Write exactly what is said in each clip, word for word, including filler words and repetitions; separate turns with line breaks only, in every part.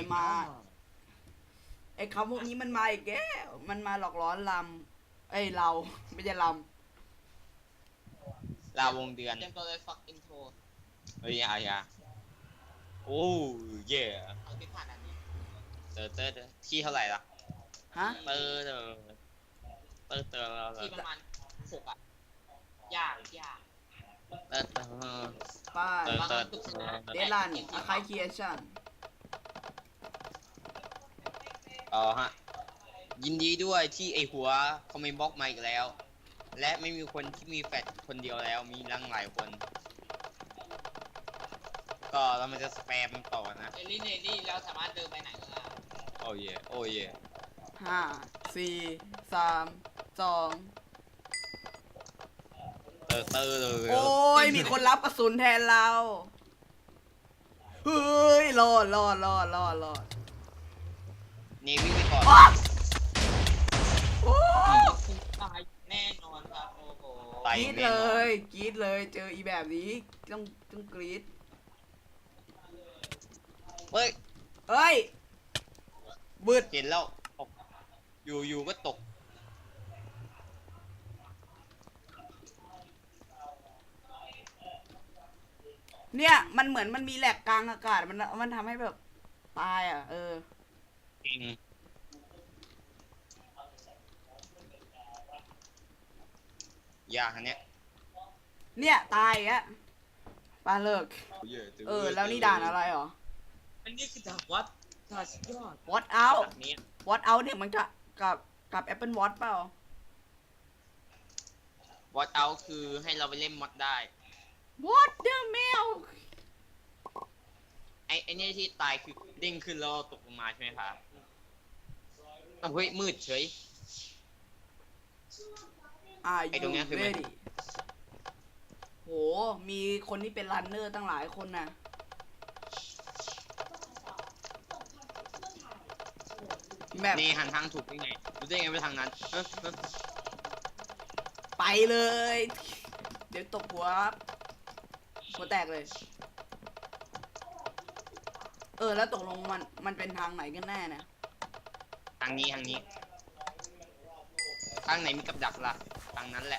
มาไอ้คำพวกนี้มันมาอีกแกมันมาหลอกล้อนลำเอ้ยเราไม่ใช่ล
ลาวงเดือน
เตรียมตัวเลยฟักอินโทร
เฮ้ยอาญาโอ้เย่
เอาที่ผ่านอันนี้
เตอร์เตอร์เตอร์ที่เท่าไหร่ล่ะ
ำฮะ
เตอร์เตอร์เตอร์เตอร์เตอร์
ที่ประมาณหกอ่ะยากยาก
เตอร์เตอร์
ป้าย
เตอร์เตอร์
เดลันอาคายเคียชั่น
อ๋อฮะยินดีด้วยที่ไอหัวคอมเมนต์บล็อกมาอีกแล้ว และไม่มีคนที่มีแฟลชคนเดียวแล้วมีตั้งหลายคน ก็เรามันจะสแปมต่อนะ
เอลี่เนลี่แล้วสามารถเดินไปไหนก็ได้
โอ้ยโอ้ย
ห้าสี่สามสอง
เตอร์เตอร์เลย
โอ้ยมีคนรับกระสุนแทนเราเฮ้ยรอดรอดรอดรอดรอด
นี่วิ่งไปก่อน
อ๊ะโอ้
คุณตายแน่นอนครับโอ้โห
ตาย
กรีด
แน่
เล
นอน
ยกรีดเลยเจออีแบบนี้ต้องต้องกรีด
เฮ้ย
เฮ้ยบืด
เห็นแล้วตกอยู่อยู่ก็ตก
เนี่ยมันเหมือนมันมีแหลกกลางอากาศมันมันทำให้แบบตายอ่ะเออ
จริงยากอันเนี้ย
เนี่ยตายอ่ะปลาเลิกเออแล้วนี่ด่านอะไรหรอ
อันนี้คือดาบวัดดาบสุดยอด
What out
แบบนี้
What out เนี่ยมันจะกับกับ Apple Watch เปล่า
วอตเอาคือให้เราไปเล่นมอดได้
What the mail
ไอ้ไอ้เนี่ยที่ตายคือเด้งขึ้นแล้วตกลงมาใช่ไหมครับอ้าวเฮ้ยมืดเฉย
Are
ไอ้ตรง
you
เนี้ยคือมัน
ready โหมีคนที่เป็นรันเนอร์ตั้งหลายคนน่ะแบบ
นี่หันทางถูกได้ไงรู้ได้ไงไปทางนั้นเอ้อเอ้อ
ไปเลย เดี๋ยวตกหัวหัวแตกเลย เออแล้วตกลงมันมันเป็นทางไหนกันแน่เนี่ย
ทางนี้ทางนี้ทางไหนมีกับดักล่ะทางนั้นแหละ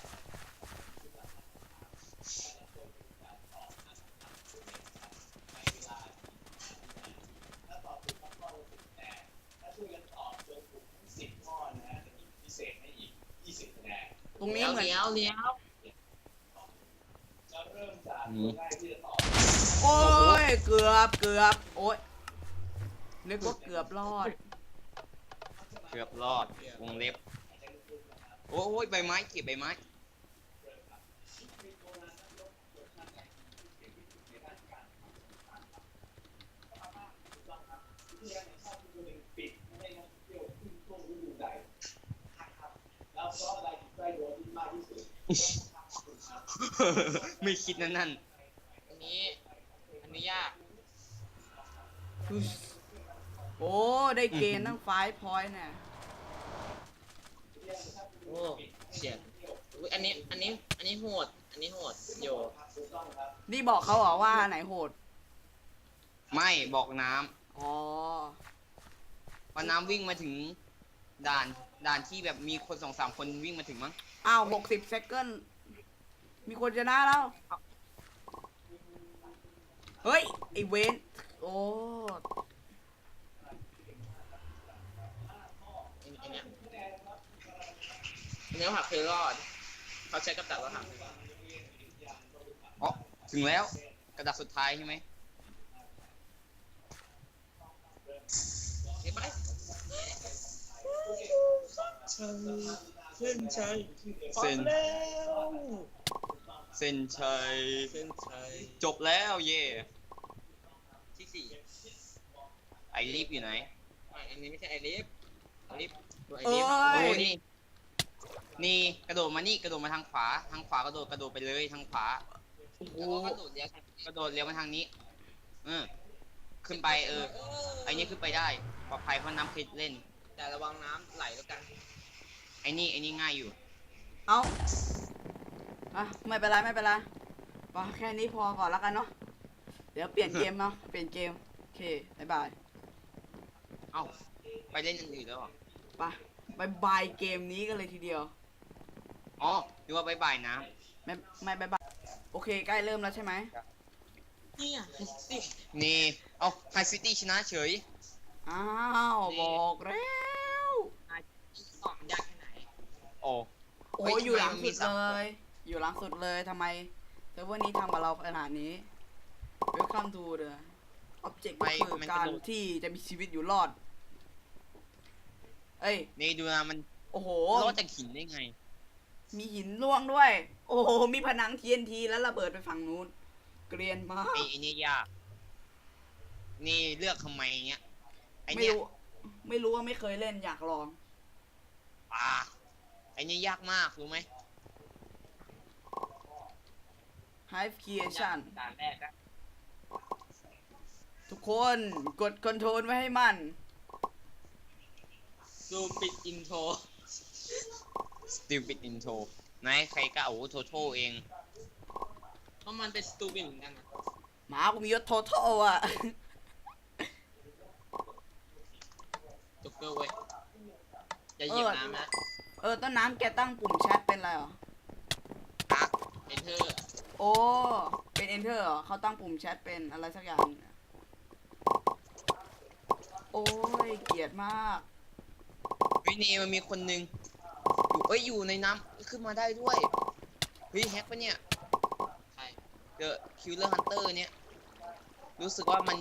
ตรงนี้
เลี้ยว
เหมือน
เลี้ยวเลี้ยว
อืม
โอ้ยเกือบเกือบโอ้ยนึกว่าเกือบรอด
เกือบรอดวงเล็บโอ้ยใบไม้เก็บใบไม้ไม่คิดนั่นนั่น
อันนี้อันนี้ยาก
โอ้ได้เกณฑ์ตั้งไฟพอยต์เนี่ย
โอ้เฉียดอุ๊ยอันนี้อันนี้อันนี้โหดอันนี้โหดโย
นี่บอกเขาเหรอว่าไหนโหด
ไม่บอกน้
อ๋อ
ำพอน้ำวิ่งมาถึงด่านด่านที่แบบมีคนสองสามคนวิ่งมาถึงมั้ง
อ้าวหกสิบเซคันด์มีคนชนะแล้ว เฮ้ย ไอเวนโอ้
อันอันเนี้ยอันนี้หักเคยรอดเขาใช้กับดักแล้วหัก
อ๋อถึงแล้วกระดาษสุดท้ายใช่ไหม
เห็นไหมเส้นชัย
เส้น
แล้ว
เส้นชัย
เส้นชัย
จบแล้วเย่
ที่สี่
ไอรีบอยู่ไหน
ไม่อันนี้ไม่ใช่ไอลิฟไอลิฟตัวไอ
เอ้
ลิฟ
โอ้
ย
นี่นี่กระโดดมานี่กระโดดมาทางขวาทางขวากระโดดกระโดดไปเลยทางขวา
โอ้โห
แล้วก็กระโดดเลี้ยว
กระโดดเลี้ยวมาทางนี้เออขึ้นไปเออไอนี่ขึ้นไปได้ปลอดภัยเพราะน้ำเคยเล่น
แต่ระวังน้ำไหลแล้วกัน
ไอนี่ไอนี่ง่ายอยู่
เอาอ่ะไม่เป็นไรไม่เป็นไรพอแค่นี้พอก่อนแล้วกันเนาะ เดี๋ยวเปลี่ยนเกมเนาะ เปลี่ยนเกม โอเค บ๊ายบาย
เอ้าไปเล่นอันอื่นแล้วเหรอ
ไปบายบายเกมนี้กันเลยทีเดียว
อ๋อหรือว่าบายบายน้
ไม่ไม่บายบายโอเคใกล้เริ่มแล้วใช่ไหม
เนี่ยสิ
ำนี่เอาไฮซิตี้ชนะเฉย
อ้าวบอกแล้ว
สองยากแค่ไหน
โอ้
โอ้
เฮ้
ยอยู่หลัง
ทำไมมัน
สุ
มี
ด
สาม
เล
คน
ย อยู่หลังสุดเลยทำไมเซิร์ฟเวอร์นี้ทำกับเราขนาดนี้ Welcome to the object ก็คือการที่จะมีชีวิตอยู่รอด เอ้ย
นี่ดูนะมัน
โอ้โห
รอดจากหินได้ไง
มีหินล่วงด้วย โอ้โห มีผนัง ที เอ็น ที แล้วระเบิดไปฝั่งนู้น เกรียนมาก
ไอ้ไอ้นี่ยาก นี่เลือกทำไมเนี้ยไอ้
ไม่
เนี้ย
รู้ ไม่รู้ว่าไม่เคยเล่นอยากลอง
อ่าไอ้นี่ยากมากรู้ไหม
Hive Creation
ด่านแรกอะ
ทุกคนกดคอนโทรลไว้ให้มัน
ดูปิดอินโทร
Stupid Intro ไหนใครกล้าโอ้โทโทเอง
เพราะมันเป็นสตูปิดเหมือนกันนะ
หมากูมียศโทโทอ่ะ
จ็กเกอร์เว้ยอย่าเหยียบน้ำนะ
เออต้นน้ำแกตั้งปุ่มแชทเป็นอะไรเหรอ
อ่ะ
เอนเทอร์
โอ้ เป็น enter เหรอเขาตั้งปุ่มแชทเป็นอะไรสักอย่างเนี่ยโอ้ย เกลียดมาก
เฮ้ยนี่มันมีคนหนึงอยู่เอ้ยอยู่ในน้ำขึ้นมาได้ด้วยเฮ้ยแฮกปะเนี่ย
ใช่
เดอะคิลเลอร์ฮันเตอร์เนี่ย รู้สึกว่ามัน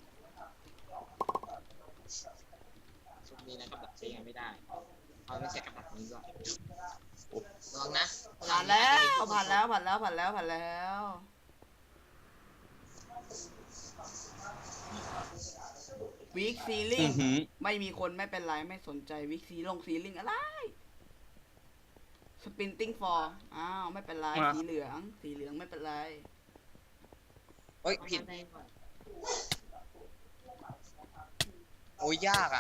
ช่วงนี้นะกับดักใช้งานไม่ได้เอาไม่ใช่กับดักนี้ก่อนลองนะ
ผ่านแล้วผ่านแล้วผ่านแล้วผ่านแล้วผ่านแล้ววิกซีลิ
อื้
ง
อหือ
ไม่มีคนไม่เป็นไรไม่สนใจวิกซีลงซีลิงอะไรสปินติ้งฟอร์อ้าวไม่เป็นไรสีเหลืองสีเหลืองไม่เป็นไร
เฮ้ย
เอา
ผิด
มาได้ก่อน
โอ้ยยากอ่ะ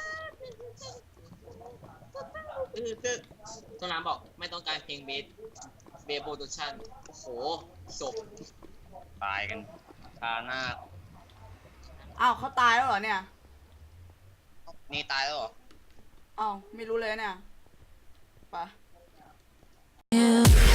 เออคือต้นน้ำบอกไม่ต้องการเพลงเบสเบสโปรดักชั่นโอ้โหจบ
ตายกันคาหน้า
อ้าวเขาตายแล้วเหรอเนี่ย
นี่ตายแล้วเหรอ
อ้าวไม่รู้เลยเนี่ยไป
Yeah.